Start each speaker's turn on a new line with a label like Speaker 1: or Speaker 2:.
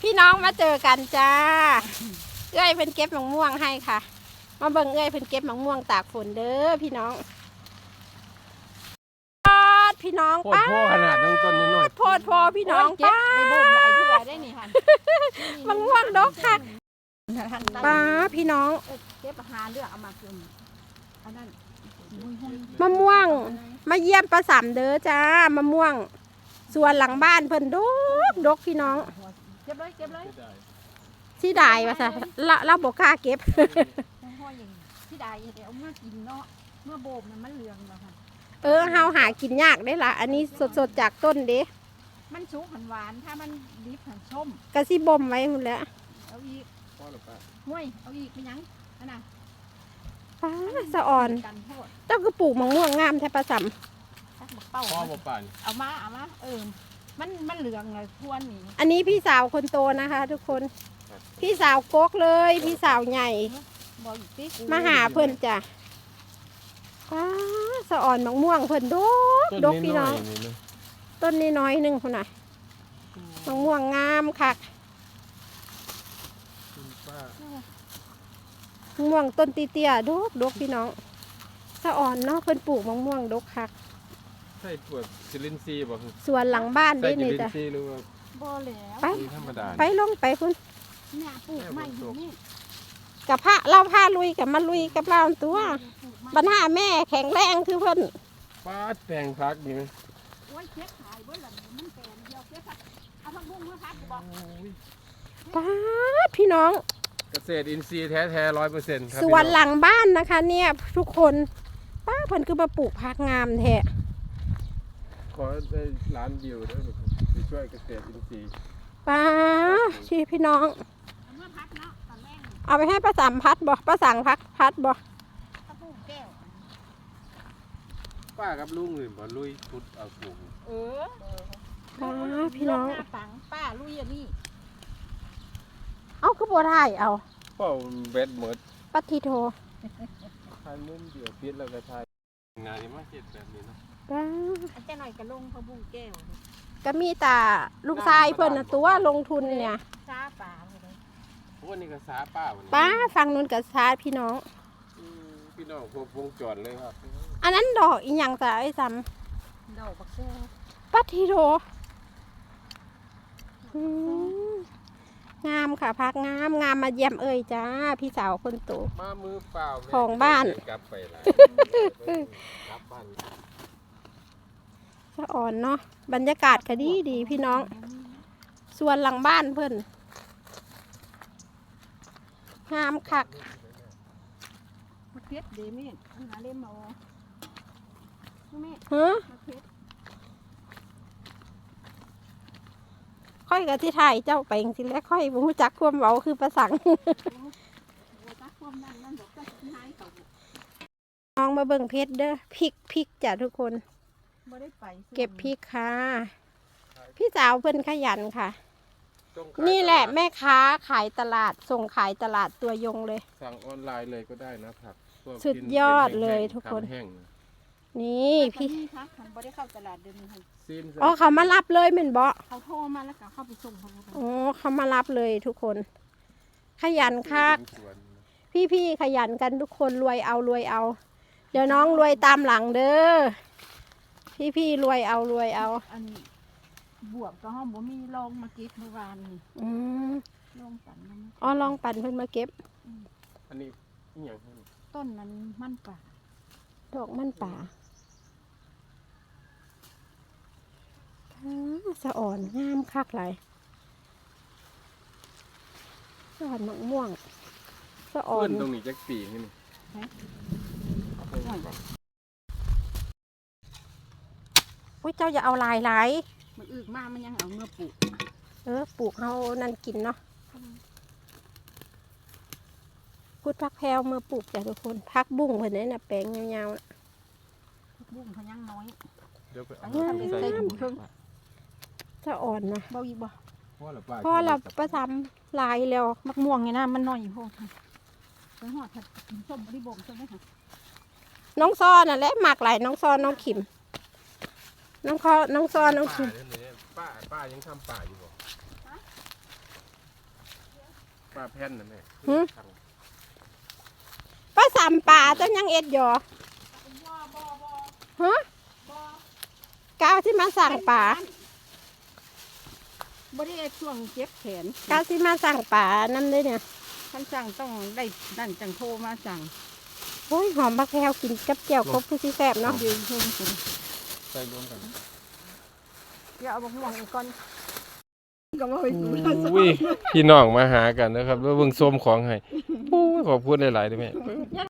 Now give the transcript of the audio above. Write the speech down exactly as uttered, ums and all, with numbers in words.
Speaker 1: พี่น้องมาเจอกันจ้าเอ้ยเพิ่นเก็บมะม่วงให้ค่ะมาเบิ่งเอ้ยเพิ่นเก็บมะม่วงตากฝนเด้อพี่น้องพี่น้อง
Speaker 2: โพดโพขนาดน้องต้นนิดหน่อย
Speaker 1: โพดโพพี่น้อง
Speaker 3: เก็บไปบ่มหลายเทื่อได้นี่ค่ะ
Speaker 1: มะม่วงดกค่ะป้าพี่น้อง
Speaker 3: เก็บหาเลือกเอามากินอันนั้น
Speaker 1: มะม่วงมาเยี่ยมป้าสามเด้อจ้ามะม่วงสวนหลังบ้านเพิ่นดกดกพี่น้อง
Speaker 3: เก็บเลยเก็บเลย
Speaker 1: สิได้ว่าซะละเราบ่กล้าเก็บ
Speaker 3: ห้อยอย่างที่ใดเดี๋ยวเอามากินเนาะเมื่อโบ่มน่ะมันเหลืองแล้วค่ะ
Speaker 1: เออเฮาหากินยากได้ล่ะอันนี้สดๆจากต้นเด้
Speaker 3: มันสุกหันหวานถ้ามันดิบหันส้ม
Speaker 1: กะสิบ่มไว้หุ่นแหล้ว
Speaker 3: เอาอีก
Speaker 2: พ่อหรือเปล่า
Speaker 3: ห้วยเอาอีกเป็นยังอันน่ะ
Speaker 1: ป้าสะอ่อน
Speaker 3: กันโทษ
Speaker 1: เจ้าก็ปลูกมะม่วงงามแท้ป้าสาม
Speaker 3: ตักบักเป้า
Speaker 2: พ่อบ่ป่าน
Speaker 3: เอามาเอามาเออมันมันเหลืองเลยทวนนี่
Speaker 1: อันนี้พี่สาวคนโตนะคะ ทุกคนพี่สาวกกเลยพี่สาวใหญ่
Speaker 3: บอกอีกสิ
Speaker 1: มาหาเพิ่นจ้ะป้าสะอ่อนมะม่วงเพิ่นดกดกพี่น้องต้นนี้น้อยหนึงคนน่ะมะม่วงงามคักมะม่วงต้นเตี้ยๆดกดกพี่น้องสะอ่อนเนาะเพิ่นปลูกมะม่วงดกคัก
Speaker 2: ใช่ปวดซิลินซีบ่คือ
Speaker 1: สวนหลังบ้าน
Speaker 2: ใช่
Speaker 1: ได้
Speaker 2: ซิ
Speaker 1: นี่
Speaker 2: ลิน
Speaker 1: จ้ะ
Speaker 2: ซีหรือว่า
Speaker 3: บ่แล้ว
Speaker 1: ไป
Speaker 2: ธรรมดา
Speaker 1: ไปลงไปคุณ
Speaker 3: เนี่ยปลูกใหม่อยู่นี่
Speaker 1: กับพระเราพาลุยกับมาลุยกับเราตัวบรรหาแม่แข็งแรงคือเพิ่น
Speaker 2: ป้าแตงพักนี่มั้ย
Speaker 3: โอ้ยเช็ดขายเบิ่งหลังมันแปลนเดียวเช็ดค่ะเอาผักบุ้งมาพักบอก
Speaker 1: ป้าดพี่น้อง
Speaker 2: เกษตรอินทรีย์แท้ๆ ร้อยเปอร์เซ็นต์
Speaker 1: สวนหลังบ้านนะคะ เนี่ยทุกคนป้าเพิ่นคือมาปลูกผักงามแท้
Speaker 2: ขอได้ล้านวิวด้วยไปช่วยเกษตรอินทรีย์
Speaker 1: ป้าชีพี่น้อง
Speaker 3: เอามาพักเนาะตอนแรก
Speaker 1: เอาไปให้ป้าสามพัดบ่ป้าสั่งพักพัดบ่
Speaker 3: ตะปูแก้ว
Speaker 2: ป้ากับลุงอื่นบ่ลุยพุดเอาปลูก
Speaker 3: เออ
Speaker 1: ป้าพี่น้อง
Speaker 3: หน้าปังป้าลุยอันนี้
Speaker 1: เอาคือบ่ได้เอา
Speaker 2: พ่อเบ็ดหมด
Speaker 1: ปัทธิโท
Speaker 2: ถ่ายมุมเดียวปิดแล้วก็ถ่ายงานนี้มาเฮ็ดแบบนี้เนาะ
Speaker 1: ป้า
Speaker 3: อาจจะหน่อยกระลงพะบุ้งแก้ว
Speaker 1: ก็มีแต่ลูกชายเพิ่นน่ะตัวลงทุนเนี่ย
Speaker 3: ซาป่าเลย
Speaker 2: โอ้นี่ก็สาป้าวันนี้
Speaker 1: ป้าฟังนู้นกับชาติพี่น้อง
Speaker 2: อืมพี่น้องครบวงจรเลยครับ
Speaker 1: อันนั้นดอกอีหยังจ้ะไอ้ซ้
Speaker 3: ดอกบักแก้ว
Speaker 1: ำปัทธิโทอืมงามค่ะพักงามงามมาเยี่ยมเอ่ยจ้าพี่สาวคนโต
Speaker 2: มามือเปล่าแม่
Speaker 1: ของบ้าน
Speaker 2: กลับไปละกลับบ้าน
Speaker 1: สะอ่อนเนาะบรรยากาศก็ดีดีพี่น้องส่วนหลังบ้านเพิ่นงามคัก
Speaker 3: มะเขือเดมี่อันหาเล่มเอาแม่
Speaker 1: ฮะ
Speaker 3: มะเขือ
Speaker 1: ค่อยกับที่ถ่ายเจ้าไปจริงๆแล้วค่อยบ่รู้จักความเว้าคือประสัง
Speaker 3: โอ้ตักความนั่นนั่นดอกก็หายเขา
Speaker 1: น้องมาเบิ่งเพชรเด้อพริกพริกจ้ะทุกคน
Speaker 3: บ่ได้ไป
Speaker 1: เก็บพริกค่ะ พี่สาวเพิ่นขยันค่ะ
Speaker 2: จงขาย
Speaker 1: นี่แหละแม่ค้าขายตลาดส่งขายตลาดตัวยงเลย
Speaker 2: สั่งออนไลน์เลยก็ได้นะครับพวก
Speaker 1: สุดยอดเลย
Speaker 2: ป็น
Speaker 1: ทุกคน
Speaker 2: แห้งๆ
Speaker 1: นี่พี่
Speaker 3: พี่คะคันบ่ได้เข้าตลาดเดิมค่ะ
Speaker 2: ซีน
Speaker 1: อ๋อเขามารับเลยเหม็นบ่
Speaker 3: เขาโทรมาแล้วก็เข้าไปส่งเขาแล้วกัน
Speaker 1: อ๋อเขามารับเลยทุกคน ขยันคัก
Speaker 2: สวน
Speaker 1: พี่ๆขยันกันทุกคนรวยเอารวยเอา เดี๋ยวน้องรวยตามหลังเด้อพี่ๆรวยเอารวยเอา
Speaker 3: อันบวบก็ห้องบ่มีลองมาเก็บเมื่อวานนี่
Speaker 1: อืม
Speaker 3: ลองปั่นมัน
Speaker 1: อ๋อลองปั่นเพิ่นมาเก็บ
Speaker 2: อันนี้อีหยังครับ
Speaker 3: ต้นนั้นมันป่า
Speaker 1: ดอกมันป่าอ่าสะอ่อนงามคักหลายสะอ่อนมะม่วงสะอ่อ
Speaker 2: เพื่
Speaker 1: น
Speaker 2: อนตรงนี้จักปีนี่นี่เอาไปก่อน
Speaker 1: อุ้ยเจ้าอย่าเอาลายหลาย
Speaker 3: มันอึกมากมันยังเอาเมื่อปลูก
Speaker 1: เออปลูกเฮานั่นกินเนาะพูดพักแพรวมาปลูกจ้ะทุกคนพักบุ้งเพิ่นนี่น่ะแปลงยาวๆน่ะ
Speaker 3: บุ้งเขายังน้อย
Speaker 2: เดี๋ยวไปเอา
Speaker 3: อันนี้ทำเป็นไส้ถุงครึ่ง
Speaker 1: สะอ่อนนะ
Speaker 3: เบาอีกบ่
Speaker 2: พ่อละป้า
Speaker 1: พอเราประทำลายแล้ว
Speaker 3: มักม่วงไงนะมันน้อยอยู่พวกไปหอดถัดกินส้มบริบงใช่ไหมคะ
Speaker 1: น้องซ้อน่ะแหละหมักหลายน้องซ้อน้องขิม น้องคอน้องซ้อน้องขิม
Speaker 2: ป้าเนี่ยป้าป้ายังทำป่าอยู่บ่ปลาแผ่นน่ะแม่
Speaker 1: หือ ป้าสามป่าเจ้ายังเอ็ดอยู่ฮะก้าวที่มาสั่งป่า
Speaker 3: บริเวณช่วงเจ็บแขน
Speaker 1: ก้าวที่มาสั่งป่านั่นเลยเนี่ย
Speaker 3: ท่านสั่งต้องได้นั่นจังโทรมาสั่ง
Speaker 1: โอ้ยหอมบักแพรวกินกับแจ่วครบผู้ที่แซ่บเนาะ
Speaker 3: ยืนชมกัน
Speaker 2: ใส่รวมกัน
Speaker 3: เดี๋ยวเอาบักม่วงอีกก่อนก็มาไปสู่
Speaker 2: อุ้ยพี่น้องมาหากันนะครับแล้วเบิ่งส้มของให้โอ้ยขอบคุณหลายๆเด้อแม่